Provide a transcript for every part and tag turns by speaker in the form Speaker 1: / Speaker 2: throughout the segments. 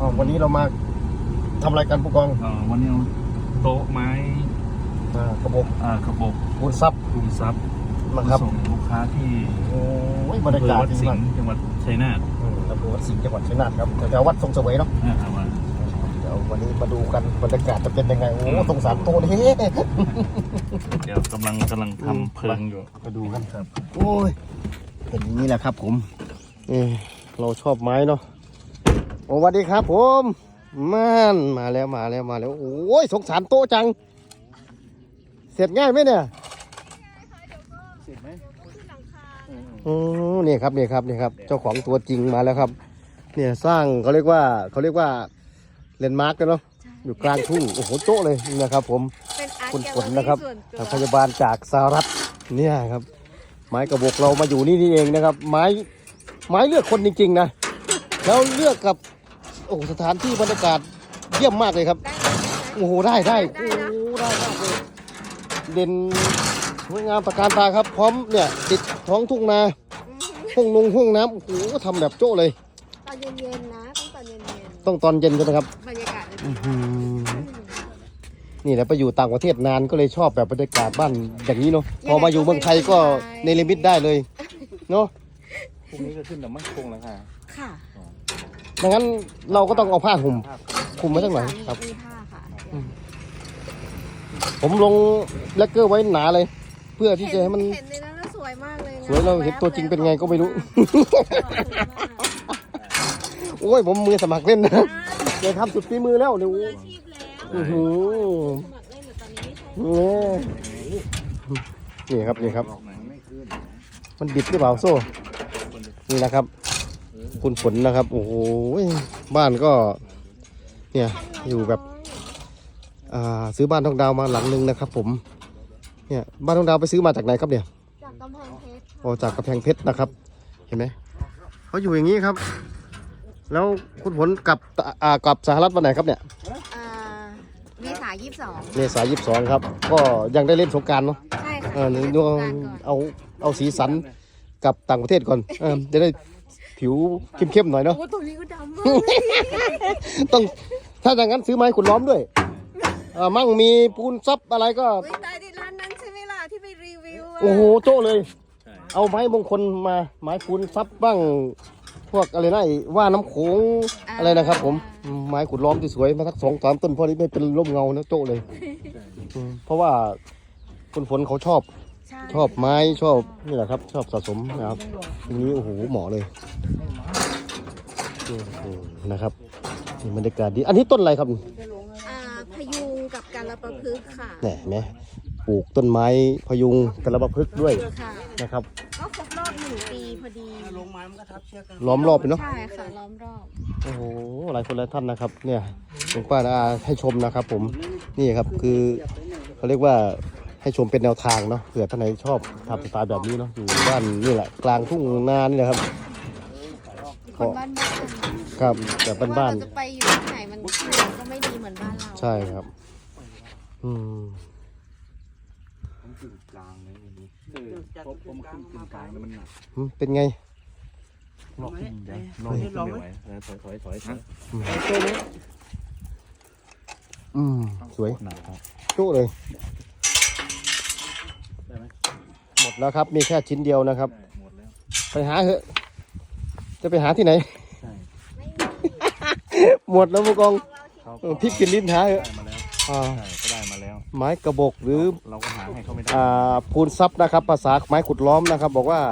Speaker 1: วันนี้เรามาทำอะไรกันผู้กอง
Speaker 2: วันนี้เอาโต๊ะไม้
Speaker 1: กระบอกปูนซับ
Speaker 2: นะครับส่งลูกค้าที่
Speaker 1: บรรยากาศ
Speaker 2: ที่จังหวัดชัยนาท
Speaker 1: อำเภอวัดสิงห์จังหวัดชัยนาทครับแถววัดทรงเสวยเนาะเดี๋ยววันนี้มาดูกันบรรยากาศจะเป็นยังไงตรงสามโต๊ะนี่
Speaker 2: เดี๋ยวกำลังทำเพลิงอยู่
Speaker 1: มาดูกันครับโอ้ยเป็นอย่างนี้แหละครับผมเราชอบไม้เนาะสวัสดีครับผมมาแล้วโอ้ยสงสารโต๊ะจังเสร็จง่ายไหมเนี่ย
Speaker 2: เสร็จไหม
Speaker 1: นี่ครับเจ้าของตัวจริงมาแล้วครับเนี่ยสร้างเขาเรียกว่าเลนด์มาร์กกันเนาะอยู่กลางทุ่งโอ้โหโต๊ะเลยนะครับผมคุณฝนนะครับพยาบาลจากสหรัฐเนี่ยครับไม้กระบอกเรามาอยู่นี่เองนะครับไม้เลือกคนจริงๆนะแล้วเลือกกับโอ้สถานที่บรรยากาศเยี่ยมมากเลยครับโอ้โหได้มากเลยเด่นสวยงามตระการตาครับพร้อมเนี่ยติดท้องทุ่งนาห้องน้ำโอ้โหทำแบบโจ้เลย
Speaker 3: ตอนเย็นๆนะ
Speaker 1: ต้องตอนเย็นใช่ไหมครับ
Speaker 3: บรรยากาศ
Speaker 1: นี่แหละไปอยู่ต่างประเทศนานก็เลยชอบแบบบรรยากาศบ้านอย่างนี้เนาะพอมาอยู่เมืองไทยก็ในลิมิตได้เลยเนาะ
Speaker 2: พรุ่งนี้ก็ขึ้นแต่มั่นคงแล้ว
Speaker 3: ค่ะ
Speaker 1: ดังนั้นเราก็ต้องเอาผ้าห่มคลุมไว้สักหน่อยครับผมลงแลกเกอร์ไว้หนาเลยเพื่อที่จะให้มัน
Speaker 3: เห็นในนั้นสวยมากเลย
Speaker 1: สวยเราเห็นตัวจริงเป็นไงก็ไม่รู้โอ้ยผมมือสมัครเล่นนะเดี๋ยวทำสุดฝีมือแล้วเดี๋ยวนี่ครับมันบิดหรือเปล่าโซ่นี่นะครับคุณฝนนะครับโอ้โหบ้านก็เนี่ยอยู่แบบซื้อบ้านทองดาวมาหลังนึงนะครับผมเนี่ยบ้านทองดาวไปซื้อมาจากไหนครับเนี่ย
Speaker 3: จากกำแพงเพชร
Speaker 1: จากกำแพงเพชรนะครับเห็นไหมเขาอยู่อย่างนี้ครับแล้วคุณฝนกับสหรัฐวันไหนครับเนี่ย
Speaker 3: เมษายน
Speaker 1: 22ครับก็ยังได้เล่นสงกรานต์เนาะ
Speaker 3: ใช่ค่ะ
Speaker 1: เอาสีสันกับต่างประเทศก่อนจะได้ผิวเข้มๆหน่อยเนาะ
Speaker 3: โอ้ตัวนี้ก็ดำมาก
Speaker 1: ต้องถ้าอย่างนั้นซื้อไม้ขุดล้อมด้วยมั่งมีปูนซับอะไรก็
Speaker 3: ตายดิร้านนั้นใช่ไหมล่ะที่ไปรีวิว
Speaker 1: โอ้โหโจ้เลยเอาไม้มงคลมาไม้ปูนซับบ้างพวกอะไรนะว่าน้ำโขงอะไรนะครับผมไม้ขุดล้อมที่สวยมาสัก2-3 ต้นพอนี้ไม่เป็นร่มเงานะโจ้เลยเพราะว่าคุณฝนเขาชอบไม้ชอบนี่แหละครับชอบสะสมนะครับทีนี้โอ้โหเหมาะเลยนะครับบรรยากาศดีอันนี้ต้นอะไรครับ
Speaker 3: พยุงกับกาลปะพฤกษ์ค่ะ
Speaker 1: เนี่ยไหมปลูกต้นไม้พยุงกาลปะพฤกษ์ด้วยนะครับ
Speaker 3: ก็ครบรอบ1 ปีพอดี
Speaker 1: ลงไม้มันก็ทับเชือกกันล้อมรอบไปเนาะ
Speaker 3: ใช่ค่ะล้อมรอบ
Speaker 1: โอ้โหหลายคนหลายท่านนะครับเนี่ยหลวงป้าให้ชมนะครับผมนี่ครับคือเขาเรียกว่าให้ชมเป็นแนวทางเนาะเผื่อท่านไหนชอบทำสไตล์แบบนี้เนาะอยู่บ้านนี่แหละกลางทุ่งนานี่แหละครับ
Speaker 3: คนบ้าน
Speaker 1: ครับแบบบ้าน
Speaker 3: ๆจะไปอยู่ที่ไหนมันก็ไม่ดีเหมือนบ้านเรา
Speaker 1: ใช่ครับ
Speaker 2: กลางเลยนี่ผมขึ้นกลางแล้วมันหนัก
Speaker 1: เป็นไง
Speaker 2: ลองไม่ไหวถอย
Speaker 1: สวยจุเลยหมดแล้วครับมีแค่ชิ้นเดียวนะครับไปหาเถอะจะไปหาที่ไหนหมดแล้วผู้กองพริกกินลิ้นหาเถอะ
Speaker 2: ก็ได้มาแล้ว
Speaker 1: ไม้กระบอกหรือ
Speaker 2: เราก็หาให้เขาไม่ได้
Speaker 1: ปูนซับนะครับภาษาไม้ขุดล้อมนะครับบอกว่า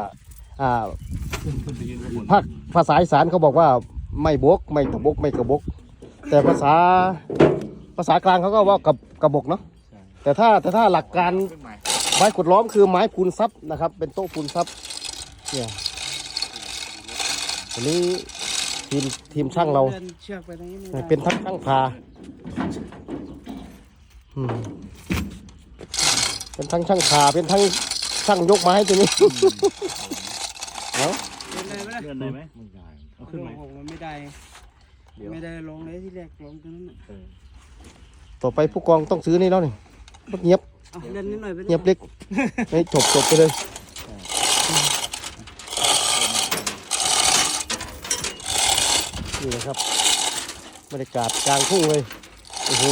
Speaker 1: ภาษาอีสานเขาบอกว่าไม่บกไม่กระบอกแต่ภาษากลางเขาก็ว่ากระบอกเนาะแต่ถ้าหลักการไม้ขุดล้อมคือไม้ปูนซับนะครับเป็นโต๊ะปูนซับเนี่ยวันนี้ทีมช่างเราเป็นทั้งช่างพาเป็นทั้งช่างพาเป็นทั้งช่างยกไม้ตัวนี้
Speaker 4: เลื่อนได้ไหมเอาขึ้นไหมไม่ได้ลงเลยที่แรกลงตรงนั้น
Speaker 1: ต่อไปผู้กองต้องซื้อนี่แล้วนี่เงียบ
Speaker 4: เล่นนิดหน่อย
Speaker 1: เงียบเล็กให้จบไปเลยนี่นะครับบรรยากาศกลางทุ่งเลยโอ้โห